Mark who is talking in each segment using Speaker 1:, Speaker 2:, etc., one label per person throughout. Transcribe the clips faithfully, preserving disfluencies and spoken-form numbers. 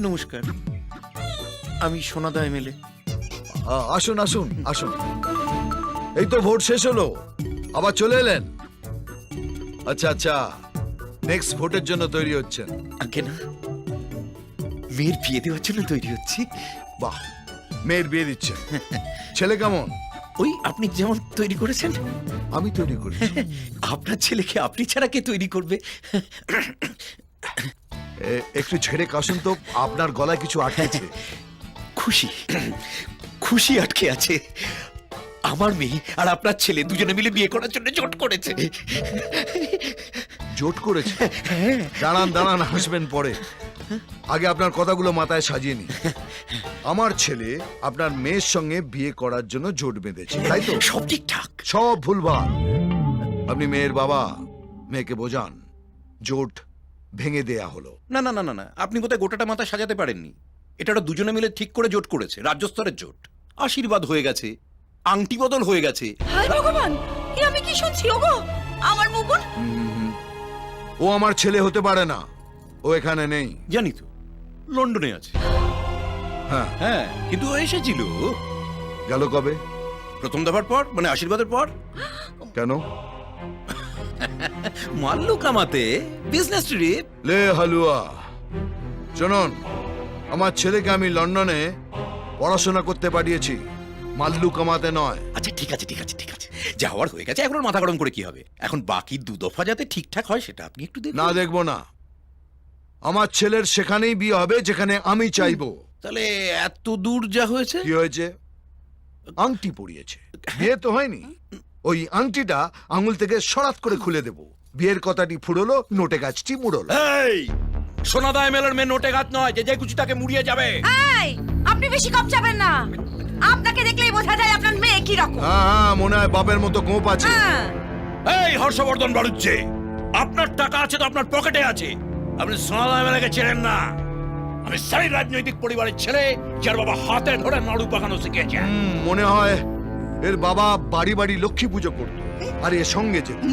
Speaker 1: নমস্কার, আমি সোনাদা এমএলএ।
Speaker 2: আসুন আসুন আসুন। এই তো ভোট শেষ হলো, আবার চলে এলেন। আচ্ছা আচ্ছা, নেক্সট ভোটের জন্য তৈরি হচ্ছেন?
Speaker 1: আগে না, মেয়ের বিয়ে দেওয়ার জন্য তৈরি হচ্ছি।
Speaker 2: বাহ, মেয়ের বিয়ে দিচ্ছেন। ছেলে কেমন?
Speaker 1: ওই আপনি যেমন তৈরি করেছেন।
Speaker 2: আমি তৈরি করি?
Speaker 1: আপনার ছেলেকে আপনি ছাড়া কে তৈরি করবে?
Speaker 2: একটু ছেড়ে কাশুন তো, আপনার গলায় কিছু আটকেছে।
Speaker 1: খুশি খুশি আটকে আছে। আমার মেয়ে আর আপনার ছেলে দুজনে মিলে বিয়ে করার জন্য জোট করেছে।
Speaker 2: জোট করেছে? দাঁড়ান দাঁড়ান, হাসবেন পরে। আগে আপনার কথাগুলো মাথায় সাজিয়ে নি। আমার ছেলে আপনার মেয়ের সঙ্গে বিয়ে করার জন্য জোট বেঁধেছে, তাই তো?
Speaker 1: সব ঠিকঠাক।
Speaker 2: সব ভুলভাল। আপনি মেয়ের বাবা, মেয়েকে বোঝান জোট ভেঙে দেয়া হলো।
Speaker 1: না না না না না, আপনি বোধহয় গোটাটা মাথা সাজাতে পারেননি। এটা ওরা দুজনে মিলে ঠিক করে জোট করেছে, রাজ্য স্তরের জোট। আশীর্বাদ হয়ে গেছে, আংটি বদল হয়ে গেছে।
Speaker 3: হায় ভগবান, এ আমি কি শুনছি? ওগো আমার মুকুন।
Speaker 2: ও আমার ছেলে হতে পারে না, ও এখানে নেই।
Speaker 1: জানি তো, লন্ডনে আছে।
Speaker 2: হ্যাঁ
Speaker 1: হ্যাঁ, কিন্তু ও এসেছিল
Speaker 2: গেল কবে?
Speaker 1: প্রথম দফার পর, মানে আশীর্বাদের পর।
Speaker 2: কেন?
Speaker 1: মাল্লু কামাতে, বিজনেস ট্রিপ।
Speaker 2: লে হালুয়া, শুনুন, আমার ছেলেকে আমি লন্ডনে পড়াশোনা করতে পাঠিয়েছি, মাল্লু কামাতে নয়।
Speaker 1: আচ্ছা ঠিক আছে ঠিক আছে ঠিক আছে, যা হওয়ার হয়ে গেছে, এখন আর মাথা গরম করে কি হবে? এখন বাকি দু দফা যাতে ঠিকঠাক হয় সেটা আপনি একটু দেখুন।
Speaker 2: না, দেখবো না। আমার ছেলের সেখানেই বিয়ে হবে যেখানে আমি চাইবো।
Speaker 1: তাহলে এত দূর যা হয়েছে।
Speaker 2: কি হয়েছে? আংটি পরিয়েছে, বিয়ে তো হয়নি। ওই আংটিটা আঙুল থেকে সরাত করে খুলে দেব। বিয়ের কথাটি ফুরলো, নোটে গাছটি মুড়লো।
Speaker 1: এই সোনাদা এমএলএর মেয়ে নোটে গাছ নয় যে যে কুচি তাকে মুড়িয়ে যাবে।
Speaker 3: এই আপনি বেশি কম যাবেন না। আপনাকে দেখলেই বোঝা যায় আপনার মেয়ে কি রকম।
Speaker 2: হ্যাঁ হ্যাঁ, মনে হয় বাপের মতো গোপ আছে।
Speaker 3: হ্যাঁ।
Speaker 1: এই হর্ষবর্ধন বাড়ুচ্ছে, আপনার টাকা আছে তো আপনার পকেটে আছে। আপনি সোনাদা এমএলএকে চেনেন না। আমি সেই রাজনৈতিক পরিবারের ছেলে যার বাবা হাতে ধরে নাড়ু পাকানো শিখেছে।
Speaker 2: হুম, মনে হয় এর বাবা বাড়ি বাড়ি লক্ষ্মী পুজো করত আর এর সঙ্গে যেত।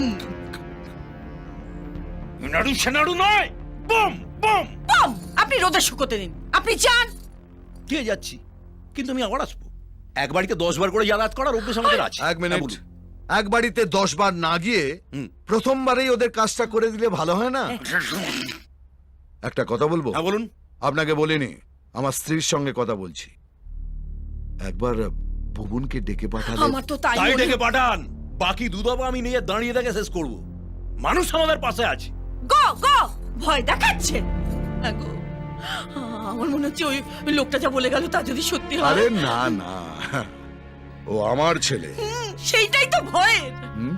Speaker 1: নাড়ু সে নাড়ু নয়, বম বম
Speaker 3: বম। আপনি রোদে শুকোতে দিন, আপনি যান।
Speaker 1: কে যাচ্ছি, কিন্তু আমি আবার আসবো। এক বাড়িতে দশ বার করে যাতায়াত করার অভ্যেস আমাদের আছে।
Speaker 2: এক মিনিট,
Speaker 1: হ্যাঁ, বলুন।
Speaker 2: এক বাড়িতে দশ বার না গিয়ে
Speaker 1: হুম।
Speaker 2: প্রথমবারেই ওদের কাজটা করে দিলে ভালো হয় না? একটা কথা বলবো?
Speaker 1: হ্যাঁ বলুন।
Speaker 2: আপনাকে বলিনি, আমার স্ত্রীর সঙ্গে কথা বলছি। একবার ভুবনকে ডেকে পাঠালে।
Speaker 3: আমার তো তাই
Speaker 1: তাই
Speaker 3: মনে-
Speaker 1: ডেকে পাঠান, বাকি দুধাবা আমি নিয়ে দাঁড়িয়ে দেখে শেষ করব। মানুষ আমাদের পাশে আছে।
Speaker 3: গো গো ভয় দেখাচ্ছে। হ্যাঁ গো, আমার মনে হচ্ছে ওই ওই লোকটা যা বলে গেল তা যদি সত্যি হয়।
Speaker 2: আরে না না, ও আমার ছেলে।
Speaker 3: হুম, সেইটাই তো ভয়ের।
Speaker 2: হুম?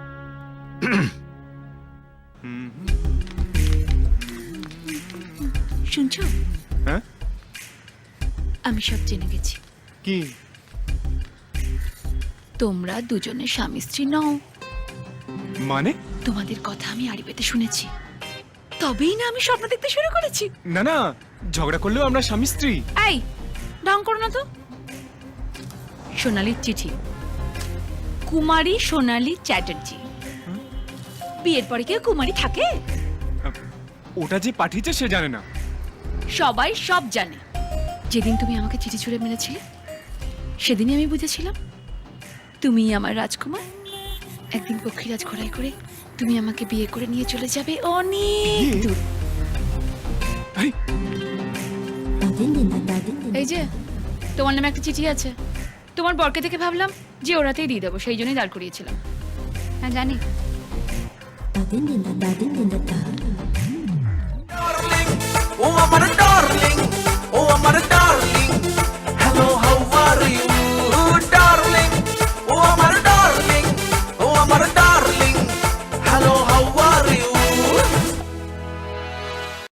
Speaker 4: শুনছো?
Speaker 5: হ্যাঁ?
Speaker 4: আমি সব জেনে গেছি।
Speaker 5: কি?
Speaker 4: তোমরা দুজনে স্বামী স্ত্রী নও।
Speaker 5: মানে?
Speaker 4: তোমাদের কথা আমি আড়ি পেতে শুনেছি, তবেই না আমি স্বপ্ন দেখতে শুরু করেছি।
Speaker 5: না না, ঝগড়া করলেও আমরা স্বামী স্ত্রী।
Speaker 4: এই ঢং করো না তো। সোনালীর চিঠি, কুমারী সোনালী চ্যাটার্জি। বিয়ের পরে কেউ কুমারী থাকে?
Speaker 5: ওটা যে পাঠিয়েছে সে জানে না।
Speaker 4: সবাই সব জানে। যেদিন তুমি আমাকে চিঠি ছুঁড়ে মেরেছিলে সেদিনই আমি বুঝেছিলাম তুমি আমার রাজকুমার। একদিন পক্ষীরাজ ঘোড়ায় করে তুমি আমাকে বিয়ে করে নিয়ে চলে যাবে অনেক দূর।
Speaker 5: আরে,
Speaker 4: এই যে তোমার নামে একটা চিঠি আছে। তোমার বরকে থেকে ভাবলাম যে ওরাতেই দিয়ে দেবো, সেই জন্যই দাঁড় করিয়েছিলাম। হ্যাঁ জানি।
Speaker 6: ও আমার